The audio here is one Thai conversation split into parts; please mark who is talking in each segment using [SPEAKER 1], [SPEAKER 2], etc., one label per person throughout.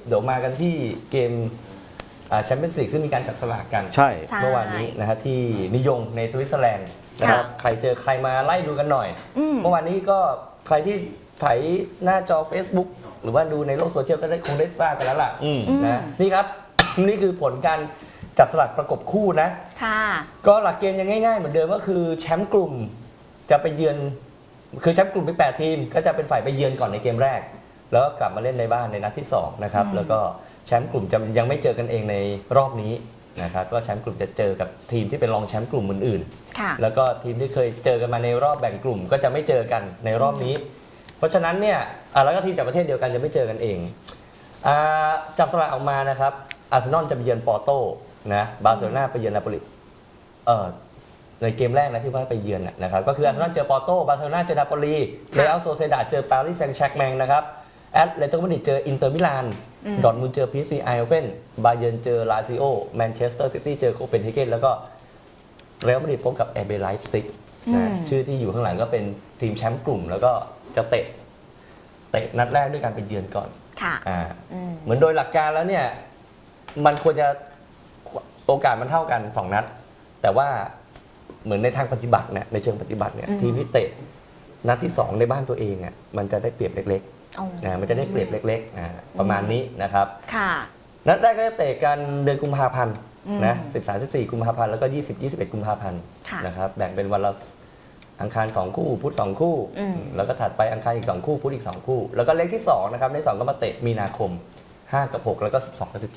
[SPEAKER 1] เดี๋ยวมากันที่เกมแชมเปี้ยนส์ลีกซึ่งมีการจับสลากกัน
[SPEAKER 2] ใช่
[SPEAKER 1] เมื่อวานนี้นะฮะที่นิยงในสวิตเซอร์แลนด์นะครับใครเจอใครมาไล่ดูกันหน่อยเมื่อวานนี้ก็ใครที่ไถหน้าจอ Facebook หรือว่าดูในโลกโซเชียลก็คงได้ทราบกันแล้วล่ะนะนี่ครับ นี่คือผลการจับสลากประกบคู่นะก็หลักเกณฑ์ยังง่ายๆเหมือนเดิมก็คือแชมป์กลุ่มจะไปเยือนคือแชมป์กลุ่มเป็น8 ทีมก็จะเป็นฝ่ายไปเยือนก่อนในเกมแรกแล้วก็กลับมาเล่นในบ้านในนัดที่2นะครับแล้วก็แชมป์กลุ่มจะยังไม่เจอกันเองในรอบนี้นะครับก็แชมป์กลุ่มจะเจอกับทีมที่เป็นรองแชมป์กลุ่มอื่นๆแล้วก็ทีมที่เคยเจอกันมาในรอบแบ่งกลุ่มก็จะไม่เจอกันในรอบนี้เพราะฉะนั้นเนี่ยแล้วก็ทีมจากประเทศเดียวกันจะไม่เจอกันเองจับสลากออกมานะครับอาร์เซนอลจะไปเยือนปอร์โตนะบาร์เซโลนาไปเยือนนาโปลิในเกมแรกนะที่ว่าไปเยือนนะครับก็คืออาร์เซนอลเจอปอร์โตบาร์เซโลนาเจอนาโปลีเรอัลโซเซดาดเจอปารีสแซงต์แชร์กแมงนะครับแอตเลติโกมาดริดเจออินเตอร์มิลานดอร์ทมุนด์เจอพีเอสวีไอโอเฟนบาเยิร์นเจอลาซิโอแมนเชสเตอร์ซิตี้เจอโคเปนเฮเกนแล้วก็เรอัลมาดริดพบกับRBไลป์ซิกชื่อที่อยู่ข้างหลังก็เป็นทีมแชมป์กลุ่มแล้วก็จะเตะนัดแรกด้วยการไปเยือนก่อนเหมือนโดยหลักการแล้วเนี่ยมันควรจะโอกาสมันเท่ากัน2 นัดแต่ว่าเหมือนในทางปฏิบัติเนี่ยในเชิงปฏิบัติเนี่ยทีมที่เตะนัดที่2ในบ้านตัวเองอ่ะมันจะได้เปรียบเล็กๆมันจะได้เปรียบเล็กๆประมาณนี้นะครับนัดแรกก็จะเตะกันเดือนกุมภาพันธ์นะ13-14 กุมภาพันธ์แล้วก็20-21 กุมภาพันธ์นะครับแบ่งเป็นวันละอังคาร2 คู่พุธ2 คู่แล้วก็ถัดไปอังคารอีก2 คู่พุธอีก2 คู่แล้วก็เลขที่2นะครับใน2ก็มาเตะมีนาคม5 กับ 6แล้วก็12 กับ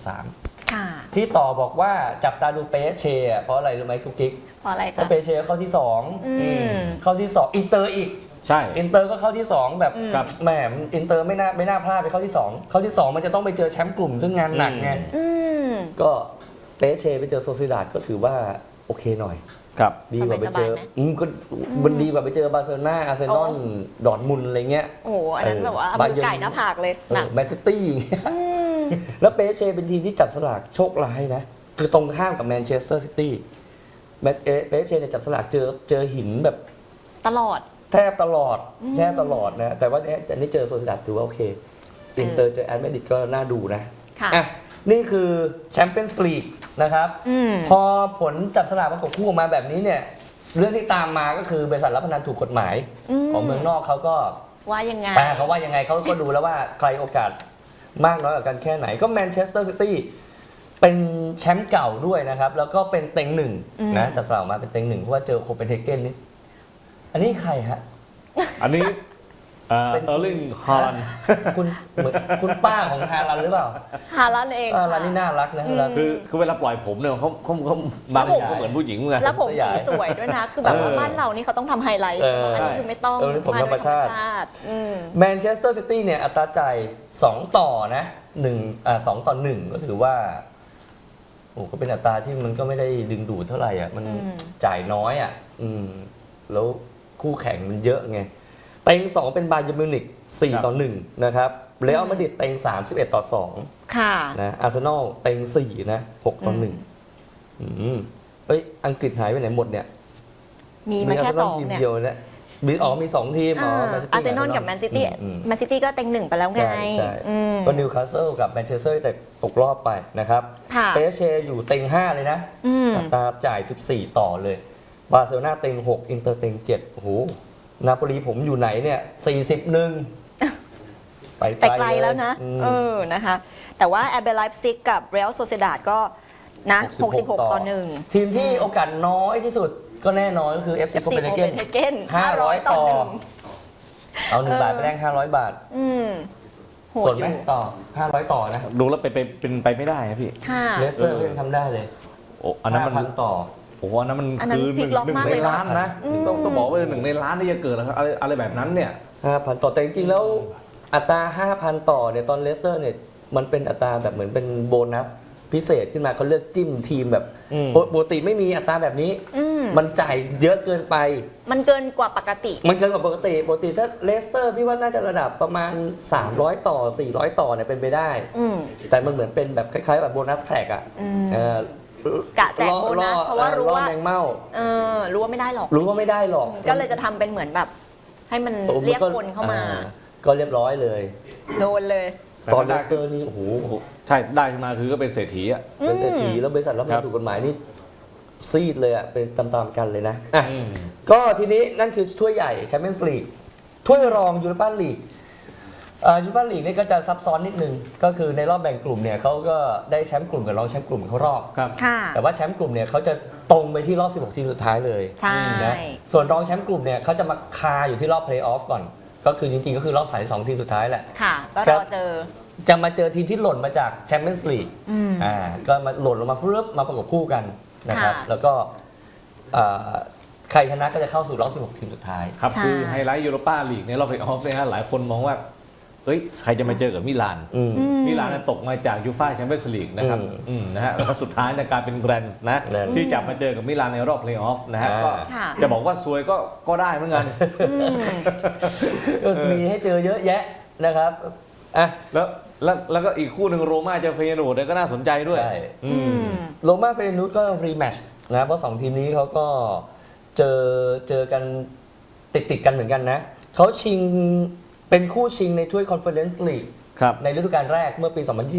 [SPEAKER 1] 13ที่ต่อบอกว่าจับตาดูเปเช่เพราะอะไรรู้ไหมกุ๊กกิ๊ก
[SPEAKER 3] เพราะอะไรคะ
[SPEAKER 1] เพราะเปเช่เข้าที่2เข้าที่2อินเตอร์อีก
[SPEAKER 2] ใช่
[SPEAKER 1] อินเตอร์ก็เข้าที่2แบบแหมอินเตอร์ไม่น่าพลาดไปเข้าที่2เข้าที่2มันจะต้องไปเจอแชมป์กลุ่มซึ่งงานหนักไงก็เปเช่ไปเจอโซซิดาดก็ถือว่าโอเคหน่อยดีกว่าไปเจอก็มันดีกว่าไปเจอบาร์เซโลนาอาร์เซนอลดอร์ทมุนด์อะไรเงี้ย
[SPEAKER 3] โอ้อันนั้นแบบว่าเอาไก่หน้าผากเลยหนัก
[SPEAKER 1] แมนซิตี้แล้วเปเช่เป็นทีมที่จับสลากโชคร้ายนะคือตรงข้ามกับแมนเชสเตอร์ซิตี้เปเช่เนี่ยจับสลากเจอหินแบบ
[SPEAKER 3] ตลอด
[SPEAKER 1] แทบตลอดนะแต่ว่าอันนี้เจอโซซิดาดถือว่าโอเคอินเตอร์เจอแอตเลติกก็น่าดูนะนี่คือแชมเปี้ยนส์ลีกนะครับพอผลจับสลากประกบคู่ออกมาแบบนี้เนี่ยเรื่องที่ตามมาก็คือบริษัทรับพนันถูกกฎหมายของเมืองนอกเขาก็
[SPEAKER 3] ว่ายังไง
[SPEAKER 1] เขาว่ายังไงเขาก็ดูแล้วว่าใครโอกาสมากน้อยกว่ากันแค่ไหนก็แมนเชสเตอร์ซิตี้เป็นแชมป์เก่าด้วยนะครับแล้วก็เป็นเต็งหนึ่งนะจับสลากมาเป็นเต็งหนึ่งเพราะว่าเจอโคเปนเฮเกนนี่อันนี้ใครฮะ
[SPEAKER 2] อันนี้เออร์ลิงฮาลันด์
[SPEAKER 1] คุณป้าของฮาลันด์หรือเปล่า
[SPEAKER 3] ฮาลันด์เอง
[SPEAKER 1] ฮาลันด์นี่น่ารักนะ
[SPEAKER 2] คือเวลาปล่อยผมเนี่ยเขาบางอย่างก็เหมือนผู้หญิงเหมือนกัน
[SPEAKER 3] แล้วผมสีสวยด้วยนะคือแบบว่าบ้านเรานี่เขาต้องทำไฮไลท์ใช่ไหมอันนี้คือไม่ต้อง
[SPEAKER 1] ผมธรรมชาติแมนเชสเตอร์ซิตี้เนี่ยอัตราจ่าย2 ต่อนะ2 ต่อ 1ก็ถือว่าโอ้ก็เป็นอัตราที่มันก็ไม่ได้ดึงดูดเท่าไหร่อ่ะมันจ่ายน้อยอ่ะแล้วคู่แข่งมันเยอะไงเต็ง2เป็นบาเยิร์นมิวนิก4 ต่อ 1นะครับเรอัลมาดริดเต็ง3 11 ต่อ 2
[SPEAKER 3] ค่ะ
[SPEAKER 1] นะอาร์เซนอลเต็ง4นะ6 ต่อ 1อังกฤษหายไปไหนหมดเนี่ย
[SPEAKER 3] มีมาแค่2
[SPEAKER 1] ทีมเดียวเนี่ยมี2 ทีม
[SPEAKER 3] อาร์เซนอลกับแมนซิตี้ก็เต็ง1ไปแล้วไง
[SPEAKER 1] ก็นิวคาสเซิลกับแมนเชสเตอร์แต่ตกรอบไปนะครับเปเช่อยู่เต็ง5เลยนะอัตราจ่าย14 ต่อเลยบาร์เซโลนาเต็ง6อินเตอร์เต็ง7โอ้โหนาโปลีผมอยู่ไหนเนี่ย41ไป
[SPEAKER 3] ไกลแล้วนะนะคะแต่ว่าRBไลป์ซิกกับเรอัลโซเซดาดก็นะ66 ต่อ 1
[SPEAKER 1] ทีมที่โอกาสน้อยที่สุดก็แน่นอนก็คือ FC โคเปนเฮเกน500 ต่อเอา1 บาทไปแลก500 บาทส่วนไหมต่อ500 ต่อนะ
[SPEAKER 2] ดูแล้วเป็นไปไม่ได้ครับพี่
[SPEAKER 1] เลสเตอร์ก็ยังทำได้เลย
[SPEAKER 2] โอ้อันนั้นมัน
[SPEAKER 1] ต่อ
[SPEAKER 2] โอ้โหอันนั้นมันคือ1 ในล้านนะต้องบอกว่า1 ในล้านที่จะเกิดอะไรแบบนั้นเนี่ย
[SPEAKER 1] 5,000 ต่อแต่จริงๆแล้วอัตรา 5,000 ต่อเนี่ยตอนเลสเตอร์เนี่ยมันเป็นอัตราแบบเหมือนเป็นโบนัสพิเศษขึ้นมาเขาเลือกจิ้มทีมแบบปกติไม่มีอัตราแบบนี้มันจ่ายเยอะเกินไป
[SPEAKER 3] มันเกินกว่าปกติ
[SPEAKER 1] ปกติถ้าเลสเตอร์พี่ว่าน่าจะระดับประมาณ300 ต่อ400 ต่อเนี่ยเป็นไปได้แต่มันเหมือนเป็นแบบคล้ายๆแบบโบนัสแท็กอ่ะ
[SPEAKER 3] กะแจกโบนัสเพราะว่ารู้ว่า
[SPEAKER 1] แมงเม่า
[SPEAKER 3] รู้ว่าไม่ได้หรอกก็เลยจะทำเป็นเหมือนแบบให้มันเรียกคนเข้ามา
[SPEAKER 1] ก็เรียบร้อยเลย
[SPEAKER 3] โดนเลย
[SPEAKER 1] ตอนเลสเตอร์นี่โอ้โห
[SPEAKER 2] ใช่ได้ขึ้นมาคือก็เป็นเศรษฐีอ่ะ
[SPEAKER 1] เป็นเศรษฐีแล้วบริษัทรับเงินถูกกฎหมายนี่ซีดเลยอ่ะเป็นตามๆกันเลยนะอ่ะก็ทีนี้นั่นคือถ้วยใหญ่แชมเปี้ยนส์ลีกถ้วยรองยูโรปาลีกยูโรปาลีกนี่ก็จะซับซ้อนนิดนึงก็คือในรอบแบ่งกลุ่มเนี่ยเขาก็ได้แชมป์กลุ่มกับรองแชมป์กลุ่มเขารอบ
[SPEAKER 2] ครับ
[SPEAKER 3] ค่ะ
[SPEAKER 1] แต่ว่าแชมป์กลุ่มเนี่ยเขาจะตรงไปที่รอบ 16 ทีมสุดท้ายเลย
[SPEAKER 3] ใช่
[SPEAKER 1] นะส่วนรองแชมป์กลุ่มเนี่ยเขาจะมาคาอยู่ที่รอบเพลย์ออฟก่อน ก็คือจริงๆก็คือรอบ32 ทีมสุดท้ายแหละ
[SPEAKER 3] ค่ะ ก็รอเจอ
[SPEAKER 1] จะมาเจอทีมที่หล่นมาจากแชมเปี้ยนส์ลีก
[SPEAKER 3] อืม
[SPEAKER 1] ก็มาหล่นลงมาเพื่อมาประกบคู่กันนะครับ
[SPEAKER 3] ค่ะ
[SPEAKER 1] แล้วก็ใครชนะก็จะเข้าสู่รอบ 16 ทีมสุดท้าย
[SPEAKER 2] ครับ
[SPEAKER 3] ใช่
[SPEAKER 2] คือไฮไลท์ยูโรปาลีกในรอบเพลย์ออฟเนี่ยฮะหลายคนมองว่าเฮ้ยใครจะมาเจอกับมิลาน
[SPEAKER 1] อืม
[SPEAKER 2] มิลานตกมาจากยูฟ่าแชมเปี้ยนส์ลีกนะครับนะฮะแล้วก็สุดท้ายในการเป็นแกรนด์นะ
[SPEAKER 1] แกรนด์
[SPEAKER 2] ที่จะมาเจอกับมิลานในรอบเพลย์ออฟนะฮะก็
[SPEAKER 3] ค่ะ
[SPEAKER 2] จะบอกว่าซวยก็ได้เหมือนกัน
[SPEAKER 1] ก็มีให้เจอเยอะแยะนะครับอ่ะ
[SPEAKER 2] แล้วก็อีกคู่หนึ่งโรม่าเจอเฟยนูร์ดเนี่ยก็น่าสนใจด้วย
[SPEAKER 1] ใช่
[SPEAKER 2] อืม
[SPEAKER 1] โรม่าเฟรนูสก็รีแมตช์นะเพราะ2ทีมนี้เขาก็เจอกันติดกันเหมือนกันนะเขาชิงเป็นคู่ชิงในถ้วยคอนเฟอเรนซ์ลีก
[SPEAKER 2] ครับ
[SPEAKER 1] ในฤดูกาลแรกเมื่อปี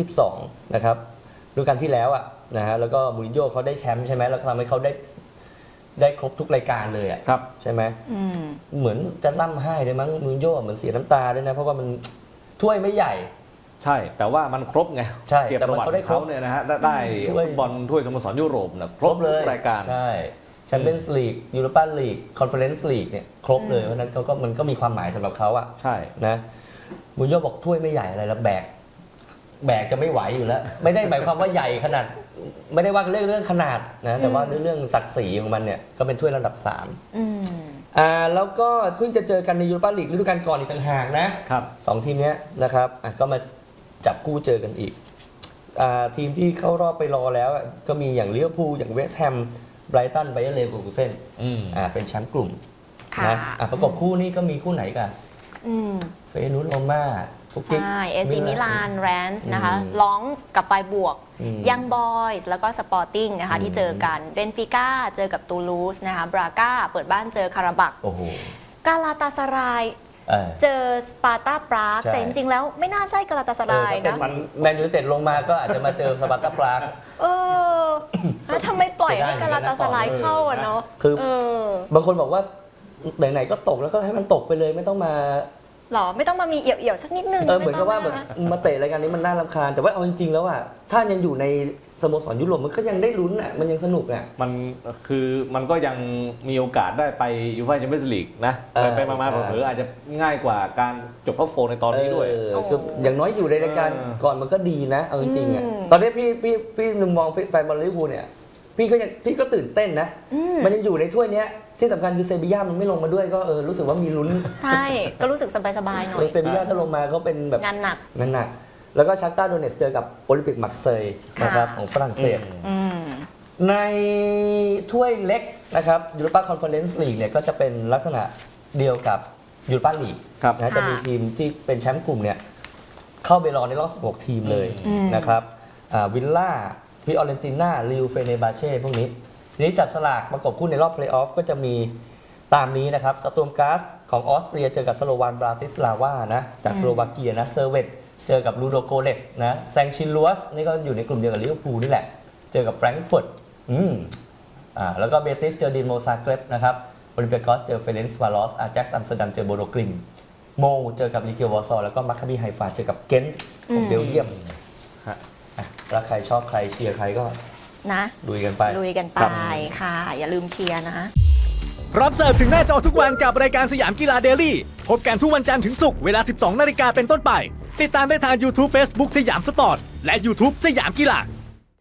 [SPEAKER 1] 2022 นะครับฤดูกาลที่แล้วอ่ะนะฮะแล้วก็มูรินโญ่เขาได้แชมป์ใช่ไหมแล้วก็ทำให้เขาได้ครบทุกรายการเลยอ่ะ
[SPEAKER 2] ครับ
[SPEAKER 1] ใช่ไหม
[SPEAKER 3] อืม
[SPEAKER 1] เหมือนจะร่ำไห้เลยมั้งมูรินโญ่เหมือนเสียน้ำตาด้วยนะเพราะว่ามันถ้วยไม่ใหญ่
[SPEAKER 2] ใช่ แต่ว่ามันครบไง
[SPEAKER 1] ใช่
[SPEAKER 2] เกียรติ
[SPEAKER 1] แต่
[SPEAKER 2] ป
[SPEAKER 1] มัน
[SPEAKER 2] ระวัติ
[SPEAKER 1] เขาได้
[SPEAKER 2] ของเขา
[SPEAKER 1] ครบ
[SPEAKER 2] เนี่ยนะฮะได้
[SPEAKER 1] ถ้วย
[SPEAKER 2] ฟุตบอลถ้วยสโมสรยุโรปนะครบทุกรายการ
[SPEAKER 1] ใช่แชมเปี้ยนส์ลีกยูโรปาลีกคอนเฟอเรนซ์ลีกเนี่ยครบเลยเพราะฉะนั้นมันก็มีความหมายสำหรับเขาอ่ะ
[SPEAKER 2] ใช่
[SPEAKER 1] นะมูรินโญ่บอกถ้วยไม่ใหญ่อะไรแล้วแบกจะไม่ไหวอยู่แล้ว ไม่ได้หมายความว่าใหญ่ขนาด ไม่ได้ว่าเรื่องขนาดนะแต่ว่าเรื่องศักดิ์ศรีของมันเนี่ยก็เป็นถ้วยระดับ3
[SPEAKER 3] อืม
[SPEAKER 1] แล้วก็เพิ่งจะเจอกันในยูโรปาลีกฤดูกาลก่อนอีกต่างหากนะครับ สองทีมเนี้ยนะครับก็มาจับคู่เจอกันอีกทีมที่เข้ารอบไปรอแล้วก็มีอย่างลิเวอร์พูลอย่างเวสต์แฮมไบรตันไบเออร์เลเวอร์คูเซ่นเป็นแชมป์กลุ่ม
[SPEAKER 3] ค่ะ
[SPEAKER 1] นะประกบคู่นี่ก็มีคู่ไหนกัน
[SPEAKER 3] อืม
[SPEAKER 1] เฟยนูสโรม่าคุกกิ๊ก
[SPEAKER 3] ใช่ เอซีมิลานแรนส์นะคะ
[SPEAKER 1] อืม
[SPEAKER 3] ลองส์กับไฟบวก
[SPEAKER 1] อืม
[SPEAKER 3] ยังบอยส์แล้วก็สปอร์ติ้งนะคะที่เจอกันเบนฟิก้าเจอกับตูลูสนะคะบราก้าเปิดบ้านเจอคาราบัก
[SPEAKER 1] โอ้โห
[SPEAKER 3] กาลาตาสราย
[SPEAKER 1] เออ
[SPEAKER 3] เจอสปาร์ตาปราก
[SPEAKER 1] ใช่
[SPEAKER 3] แต่จริงๆแล้วไม่น่าใช่กาลาตาสราย
[SPEAKER 1] ถ้า
[SPEAKER 3] นะ
[SPEAKER 1] เป็นแมนยูไนเต็ดลงมาก็อาจจะมาเจอสปาร์ตาปราก
[SPEAKER 3] เออแล้วทำไมปล่อยให้กาลาตาสรายเข้าอะเนาะ
[SPEAKER 1] คือ
[SPEAKER 3] เออบ
[SPEAKER 1] างคนบอกว่าไหนๆก็ตกแล้วก็ให้มันตกไปเลยไม่ต้องมา
[SPEAKER 3] หรอไม่ต้องมามีเอี่ยวๆสักนิดนึง
[SPEAKER 1] เหมือนกับว่าแบบมาเตะรายการนี้มันน่ารำคาญแต่ว่าเอาจริงๆแล้วอ่ะถ้ายังอยู่ในสโมสรยุโรปมันก็ยังได้ลุ้นอ่ะมันยังสนุกอ่ะ
[SPEAKER 2] มันก็ยังมีโอกาสได้ไปยูฟ่าแชมเปี้ยนส์ลีกนะ ไปมา
[SPEAKER 1] ใช่
[SPEAKER 2] เผลอๆอาจจะง่ายกว่าการจบท็อปโฟในตอนนี้ด้วย
[SPEAKER 1] คืออย่างน้อยอยู่ในรายการ
[SPEAKER 2] เออ
[SPEAKER 1] ก่อนมันก็ดีนะเอาจริงๆอ่ะตอนนี้พี่นึงมองแฟนบอลลิเวอร์พูลเนี่ยพี่ก็ตื่นเต้นนะมันยังอยู่ในถ้วยเนี้ยที่สำคัญคือเซบีย่ามันไม่ลงมาด้วยก็รู้สึกว่ามีลุ้น
[SPEAKER 3] ใช่ ก็รู้สึกสบายๆหน่อย
[SPEAKER 1] เซบีย่าถ้าลงมาก็เป็นแบบ
[SPEAKER 3] งานหนัก
[SPEAKER 1] นั่นหนักแล้วก็ชักต้าโดเนสเจอกับโอลิมปิกมักเซย
[SPEAKER 3] ค่ะ
[SPEAKER 1] นะครับของฝรั่งเศส
[SPEAKER 3] อืม
[SPEAKER 1] ในถ้วยเล็กนะครับยูโรปาคอนเฟอเรนซ์ลีกเนี่ยก็จะเป็นลักษณะเดียวกับยูโรปาลีก
[SPEAKER 2] ครับ
[SPEAKER 1] นะจะมีทีมที่เป็นแชมป์กลุ่มเนี่ยเข้าไปรอในรอบ 16 ทีมเลยนะครับวิลล่าฟิออเรนติน่าลิวเฟเนบาเช่พวกนี้ทีนี้จับสลากประกบคู่ในรอบเพลย์ออฟก็จะมีตามนี้นะครับสตูมกาสของออสเตรียเจอกับสโลวานบราติสลาวานะจากสโลวาเกียนะเซอร์เวตเจอกับลูโดโกเลสนะแซงชินลัวสนี่ก็อยู่ในกลุ่มเดียวกับลิเวอร์พูลนี่แหละเจอกับแฟรงก์เฟิร์ตแล้วก็เบติสเจอดินโมซาเกรบนะครับโอลิมเปียกอสเจอเฟเรนซ์วาลอสอาแจ็กซ์อัมสเตอร์ดัมเจอโบโดกลิมโมเจอกับลิเกวอร์ซอแล้วก็มัคคาบีไฮฟาเจอกับเกนต์ของเบลเยียม
[SPEAKER 2] ฮะ
[SPEAKER 1] แล้วใครชอบใครเชียร์ใครก็
[SPEAKER 3] นะ
[SPEAKER 1] ลุยกันไป
[SPEAKER 3] ลุยกันไปค่ะ อย่าลืมเชียร์นะ
[SPEAKER 4] พร้อมเสิร์ฟถึงหน้าจอทุกวันกับรายการสยามกีฬาเดลี่พบกันทุกวันจันทร์ถึงศุกร์เวลา 12 นาฬิกาเป็นต้นไป ติดตามได้ทาง YouTube Facebook สยามสปอร์ต และ YouTube สยามกีฬา